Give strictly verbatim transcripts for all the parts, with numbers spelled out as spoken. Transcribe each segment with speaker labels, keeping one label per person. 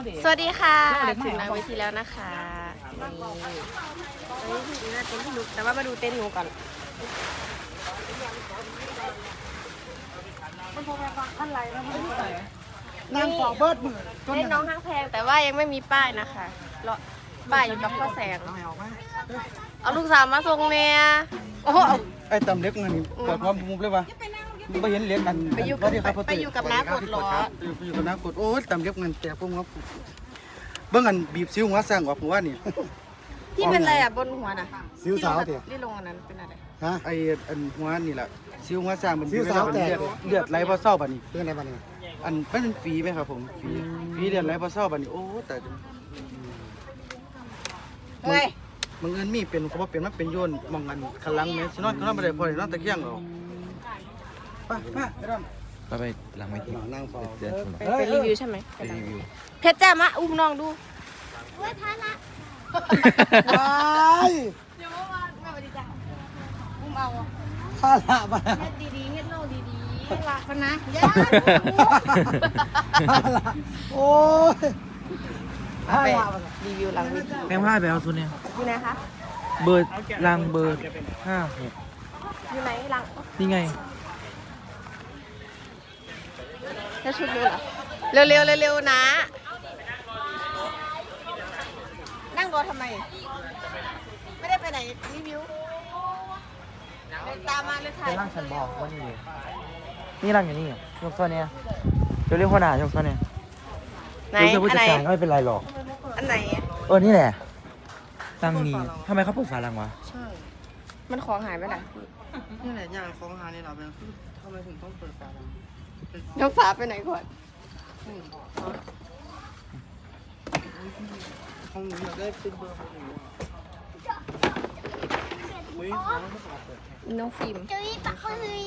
Speaker 1: สวัสดีค่ะถึงหน้าเวทีแล้วนะคะนี่เฮ้ยถึงหน้าเต้นพี่นุกแต่ว่ามาดูเต้นหนูก่อน
Speaker 2: นั่งฟอเบิร์ดมือ
Speaker 1: เล่นน้องห้างแพงแต่ว่ายังไม่มีป้ายนะคะรอป้ายอยู่กับพ่อแสงเอาลูกสาวมาส่งเนี่ยโอ้โห
Speaker 2: ไอ้ตำเล็กเงินเกิดความมุมเลยวะไม่เห็นเล็กกัน
Speaker 1: ไปอยู่กับไปอยู่กับน้ากดล้อ
Speaker 2: ไปอยู่กับน้ากดโอ้ยตำเล็กเงินแต่พวกงบเบื้องอันบีบซิ้วหัวสร้างออกหัวนี่
Speaker 1: ที่เป็นอะไรอ่ะบนหัวน่ะ
Speaker 2: ซิ้วสาวเถี่ย
Speaker 1: ที่ลงอันนั้นเป็นอะไร
Speaker 2: ฮะไอ้อันหัวนี่แหละซิ้วหัวสร้างมันซิ้วสาวแต่เลือดไหลพอเศร้าบัดนี้เรื่องอะไรบัดนี้อันมันเป็นฝีไหมครับผมฝีฝีเลือดไหลพอเศร้าบัดนี้โอ้แต่
Speaker 1: เฮ้ย
Speaker 2: มึงเงินมีเป็นเขาบอกเป็นมันเป็นโยนมองกันขลังแม่ชินอนเขานอนไปได้พอได้นอนตะเกียงเอาไปไปไปดำ
Speaker 3: ก็ไปหลังไม่ถึง
Speaker 2: นั่งฟอ
Speaker 3: เดือน
Speaker 1: ไปไปรีวิวใช่ไหม
Speaker 3: ไปรีวิว
Speaker 1: เพชรจ้ามาอุ้มน้องดู
Speaker 2: ว้าย
Speaker 1: เดี๋ยวมาแม่มาดีจ้ะอุ้มเอา
Speaker 2: ข้าละมา
Speaker 1: เฮ็ดดีๆเฮ็ดโลดีๆรักกันนะย่า
Speaker 2: ข้าละโอ้ยข้า
Speaker 1: ไป
Speaker 2: ละ
Speaker 1: รีวิวหลังเวที
Speaker 3: แม่ผ้าไปเอาตัวเนี้ย
Speaker 1: อยู่ไหนคะ
Speaker 3: เบอร์รังเบอร์ห้าหก
Speaker 1: อยู่ไหนหลัง
Speaker 3: นี่ไง
Speaker 1: จะชุดเลยเหรอเร็วเร็วๆเร็วๆนะ นั่งรอทำไม ไม่ได้ไปไหนรีวิวเดินตามมาเลยค่ะ
Speaker 3: เป็นร่างฉันบอกว่านี่นี่ร่างอย่างนี้ยกโซ่เนี้ยเดี๋ยวเรียกหัวหน้ายกโซ่เนี้ย
Speaker 1: ไหน
Speaker 3: รู้สึกผู้
Speaker 1: อัน
Speaker 3: จัด
Speaker 1: ไหน
Speaker 3: การก็ไม่เป็นไรหรอก
Speaker 1: อันไหน
Speaker 3: เออนี่แหละรังนี้ทำไมเขาปลูกฝารังวะ
Speaker 1: ใช่ มันของหายไปไหน
Speaker 2: นี่แหละอย่างของหานี่เราเป็นทำไมถึงต้องเปิดฝาดัง
Speaker 1: น้องฝาไปไหนก่อน
Speaker 2: ห้องนี้เราได้เป็นเบอร์ของหนูอุ้ยน้องไม่ฝาเปิด
Speaker 1: น้องฟิล์ม
Speaker 4: จุ้ยปักเฮ้ย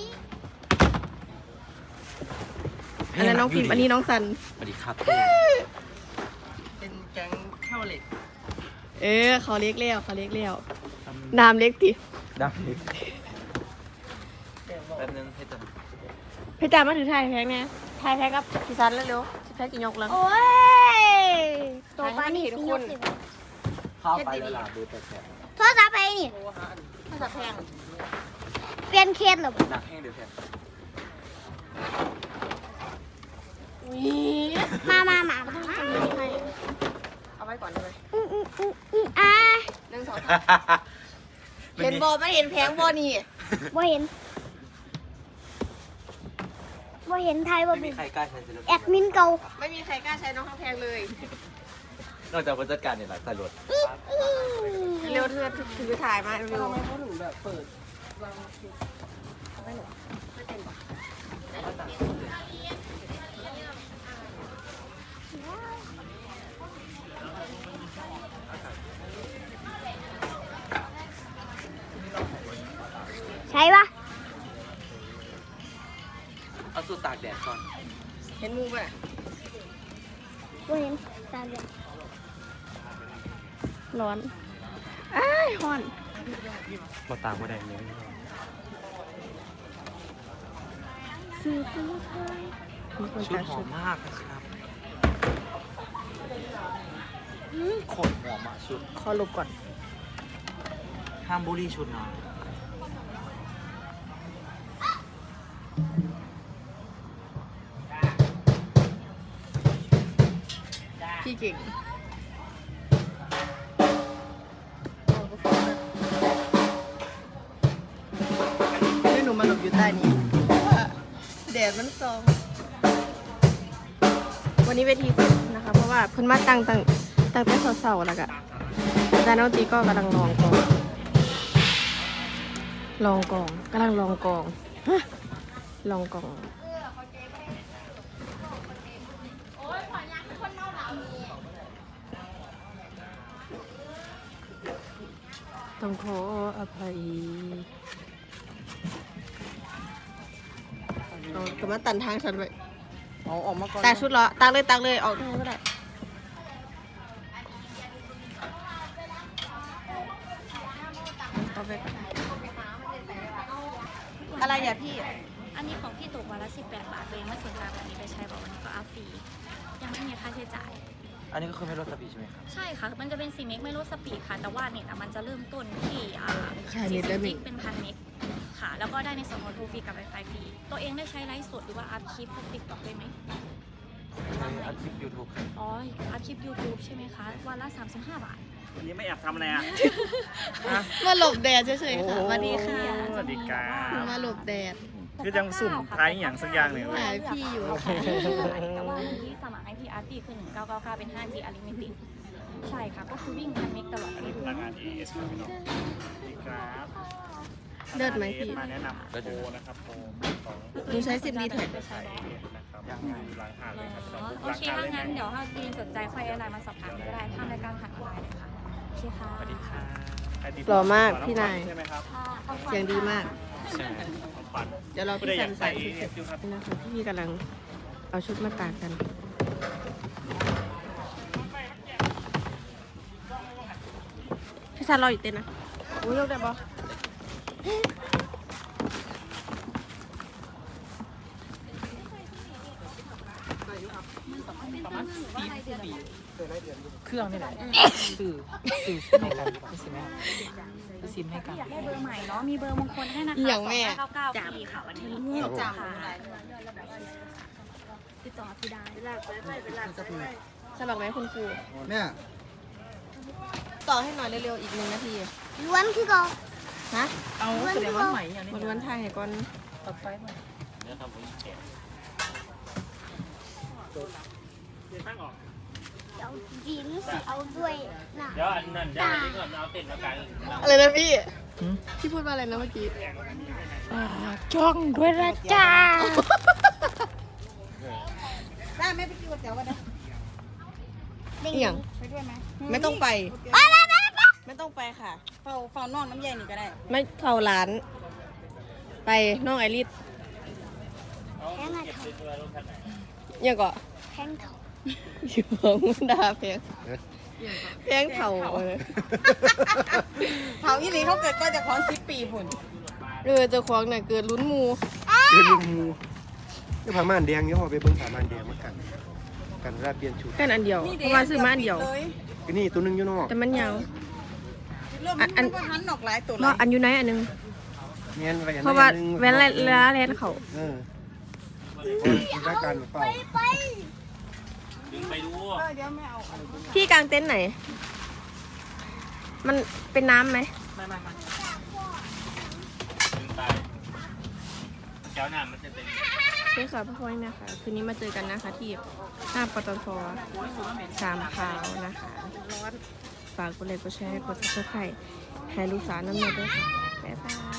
Speaker 1: อันนั้นน้องฟิล์มอันนี้น้องซัน
Speaker 3: สวัสดีครับ
Speaker 2: เป็นแก๊งเท่าเหล็ก
Speaker 1: เออเขาเล็กเลี้ยวเขาเล็กเลี้ยวน้ำเล็กติ
Speaker 3: ดังเลยแป๊บนึงให้ตัด
Speaker 1: พี่จ่ามาถือถ่ายแพ็กเนี่ยถ่ายแพ็กกับพี่ซันเร็วๆพี่แพ็กกินยกแล้ว
Speaker 4: โอ้ยตัวปลานี่
Speaker 1: ทุ
Speaker 4: สิ
Speaker 1: ก
Speaker 4: ย
Speaker 1: ค
Speaker 4: ก
Speaker 1: น
Speaker 4: สิ
Speaker 3: เข้าไปแล้วล่ะเบอร์แปดแปด
Speaker 4: โทรศัพท์ไปนี่
Speaker 1: ภาษาแพง
Speaker 4: เปลี่ยนเคสเหรอ
Speaker 3: หนักแห้งเดี๋ยวแพง
Speaker 1: อุ้ย
Speaker 4: มามามามา
Speaker 1: เอาไว้ก่อนเลย
Speaker 4: อืออืออืออืออ่ะ
Speaker 1: หนึ่งสองสามเห็นบอไม่เห็นแพงบอนี่
Speaker 4: บ่เห็นบ่เห็นไทยบ่
Speaker 3: ไม่มี
Speaker 4: เป็น
Speaker 3: ใครกล้าใช้ศิล
Speaker 4: แอดมินเก่า
Speaker 1: ไม่มีใครกล้าใช้น้องข้างแพงเลย
Speaker 3: นอกจากผู้จัดการเนี่ยหลักตำรวจ
Speaker 4: อื้ออื้อ
Speaker 1: เร็วเธอถือถ่ายมาเร็ว
Speaker 2: เขาถึงแบบเปิด
Speaker 4: ใช่ปะ
Speaker 3: เอาสูตรตากแดดก่อน
Speaker 1: เห็นมูป่ะ
Speaker 4: บ่เห็นตาเดียว
Speaker 1: ร้อนอ้ายร้อน
Speaker 3: พอตากบ่ได้เลย
Speaker 1: ซื้อไปแล้วค่ะ
Speaker 3: ชุดหอมมากนะครับขนหอมอ่ะชุด
Speaker 1: ขอหลบก่อน
Speaker 3: ห้ามบูลลี่ชุดนะ
Speaker 1: พี่เก่งให้หนูมาหลบอยู่ใต้นี้เพราะว่าแดดมันส่อง วันนี้เวทีสุดนะคะ เพราะว่าเพิ่นมาตั้งตั้งตั้งแต่เสาๆแล้วก็อาจารย์น้องตีก็กำลังลองกองลองกองกำลังลองกองฮะลองกองต้องขออภัยเอากำลังตันทางฉันไป
Speaker 2: เอาออกมาก่อน
Speaker 1: ตากชุดเหรอตากเลยตากเลยออกทางก็ได้เอาไปก่อนอะไรอย่าพี่
Speaker 5: อันนี้ของพี่ตกวันละสิบแปดบาทตัวเองไม่สนใจวันนี้ไปใช้บอกวันนี้ก็อัพฟรียังไม่มีค่าใช้จ่าย
Speaker 3: อันนี้ก็คือไม่ลดสปีดใช่ไหมครับ
Speaker 5: ใช่ค่ะ มันจะเป็นสี่เมกไม่ลดสปีดค่ะ แต่ว่าเน็ตอะมันจะเริ่มต้นที่อ่า
Speaker 1: ขายเน็ตได้ไหม
Speaker 5: สี่สิบจิกเป็นพันเมกค่ะ แล้วก็ได้ในส่วนของโทรฟรีกับ Wi-Fi ฟรี ตัวเองได้ใช้ไลฟ์สดหรือว่าอัพคลิปพวกติ๊กต็อกได้ไหม
Speaker 3: ใช่อัดคลิปยูทูบครับ
Speaker 5: อ๋อ อัพคลิป YouTube ใช่ไหมคะ วันละสามสิบห้าบาท
Speaker 6: วันนี้ไม่แอบทำอะไรอ่ะ
Speaker 1: มาหลบแดดเฉยๆค่ะสวัสดีค่ะ
Speaker 6: สวัสดีครับ
Speaker 1: มาหลบแดด
Speaker 6: คือยังสุ่มท้ายอย่างสักอย่างหนึ่ง
Speaker 1: หาพี่อยู่
Speaker 5: แต่ว่าวันที่สมัคร ไอ พี อาร์ ที คือหนึ่งเก้าเก้าเก้าเป็น ห้าจี Unlimited ใช่ค่ะ ก็คือวิ่งพันเมกตลอดอายุ
Speaker 6: พนักงาน เอ เอส ครับพี่น้องสวัสดีครับ
Speaker 1: เลิศไหมพี่
Speaker 6: มาแนะนำโปรนะครับโปรของ
Speaker 1: หนูใช้ซิมดีแท็ก
Speaker 6: ใช้นะครับอยู่หลังหาดเลยครับพี่น้อง
Speaker 5: อ๋อ
Speaker 6: บุก
Speaker 5: โอ
Speaker 6: หลัง
Speaker 5: เค
Speaker 6: หาด
Speaker 5: ถ้า
Speaker 6: เลย
Speaker 5: งั้น
Speaker 6: นะ
Speaker 5: เดี๋ยวถ้าทีมสนใจค่อยไลน์มาสอบถามก็ได้ทางรายการผ่านไลน์เลยค่ะโอเคค่ะ
Speaker 6: สวัสดีค่ะใครติด
Speaker 1: หล่อมากพี่นาย
Speaker 6: ใช่ไหมครับ
Speaker 1: เสียงดีมาก
Speaker 6: ใช่ของปัน
Speaker 1: เดี๋ยวเรา
Speaker 6: ผู้
Speaker 1: พี่
Speaker 6: ใดอ
Speaker 1: สั
Speaker 6: ยาน ก
Speaker 1: ใส่
Speaker 6: ใส่
Speaker 1: ชุด
Speaker 6: เอ
Speaker 1: เสร็จ
Speaker 6: ฟอยู่ครับ
Speaker 1: นะคะพี่กำลังเอาชุดมาตากกัน พี่ซันรออยู่เต้นนะโอ้ยยกได้ปะ
Speaker 3: เครื่องนี่แหละสื่อสื่อซิมให้กันคือซิมให้คือซิมให้กัน
Speaker 5: อยากได้เบอร์ใหม่เนาะ มีเบอร์มงคลให้นะคะ
Speaker 1: อย่างแม่
Speaker 5: สองห้าเก้าเก้าฟรีค่ะวันนี้จ้าติดต่อพี่ได้
Speaker 1: สมัครไหมคุณครู
Speaker 2: แม่
Speaker 1: ต่อให้หน่อยเร็วๆอีกหนึ่งนาที
Speaker 4: ล้วนคือเก่า
Speaker 1: ฮะ
Speaker 3: เอาแสดงว่าใหม่อย่างนี้
Speaker 1: วันวันไทยให้ก่อน
Speaker 3: ตัดไฟมา
Speaker 4: เอาดินสิเอาด้วยนะ
Speaker 6: เดี๋ยวอันนั้นเดี๋ยวอันนี้ก่อนเอาเต้นมากัน
Speaker 1: อะไรนะพี่ พี่พูดว่าอะไรนะเมื่อกี้จ้องด้วยนะจ้า
Speaker 7: ได้ไหมไปกินก๋วยเตี๋ยวกันนะ
Speaker 1: เอียง
Speaker 7: ไปด้วยไหม
Speaker 1: ไม่ต้องไป
Speaker 4: ไปไปไปไป
Speaker 1: ไม่ต้องไปค่ะ
Speaker 7: เฝ้าเฝ้านอกน้ำใยนี่ก็ได้
Speaker 1: ไม่เข้าร้าน ไปน้องไอริส
Speaker 4: แพงอะเถา
Speaker 1: ยังก็
Speaker 4: แพงเถา
Speaker 1: อยู่ของมันดาแพงแพงเข่าเออ
Speaker 7: เผาอีหลีเขาเกิดก็จะของสิบปีผุน
Speaker 1: เออเจ้าของน่ะเกิดลุ้นหมู
Speaker 8: เรื่องงูนี่ผ้าม่านแดงเนี่ยพอไปเบิ่งผ้าม่านแดงมากัน กันเวลาเปลี่ยนชุด
Speaker 1: กันอันเดียวเพราะว่าซื้อมาอันเดียว
Speaker 7: เลย
Speaker 8: ก็นี่ตัวหนึงอยู่นอก
Speaker 1: แต่มันยาว
Speaker 7: เริ่ม
Speaker 1: อันอั
Speaker 7: มัน นก็หันออกหลายตัวเล
Speaker 1: เพราะ
Speaker 7: ย
Speaker 1: อันอยู่ไหนอันหนึง
Speaker 8: เงี้ยไว้อัน
Speaker 1: เพราะว่า
Speaker 8: หนึ่ง
Speaker 1: แว้นละละแลนเขา
Speaker 8: เออรายการเปล่า
Speaker 4: ไป
Speaker 6: ดึงไปดู
Speaker 7: เออเดี๋ยวไม่เอาอันนี้
Speaker 1: พี่กางเต็นท์ไหน มันเป็นน้ำไหม
Speaker 6: ดึงไปแก้วน้ำมันจะเป็น
Speaker 1: ใช่ค่ะพ่อพ่อแม่ค่ะ คืนนี้มาเจอกันนะคะ ที่หน้าปตทสามพร้าวนะคะ ฝากกดไลค์กดแชร์กดซับสไครต์ให้ลูกสาวน้ำเนยด้วยค่ะ บ๊ายบาย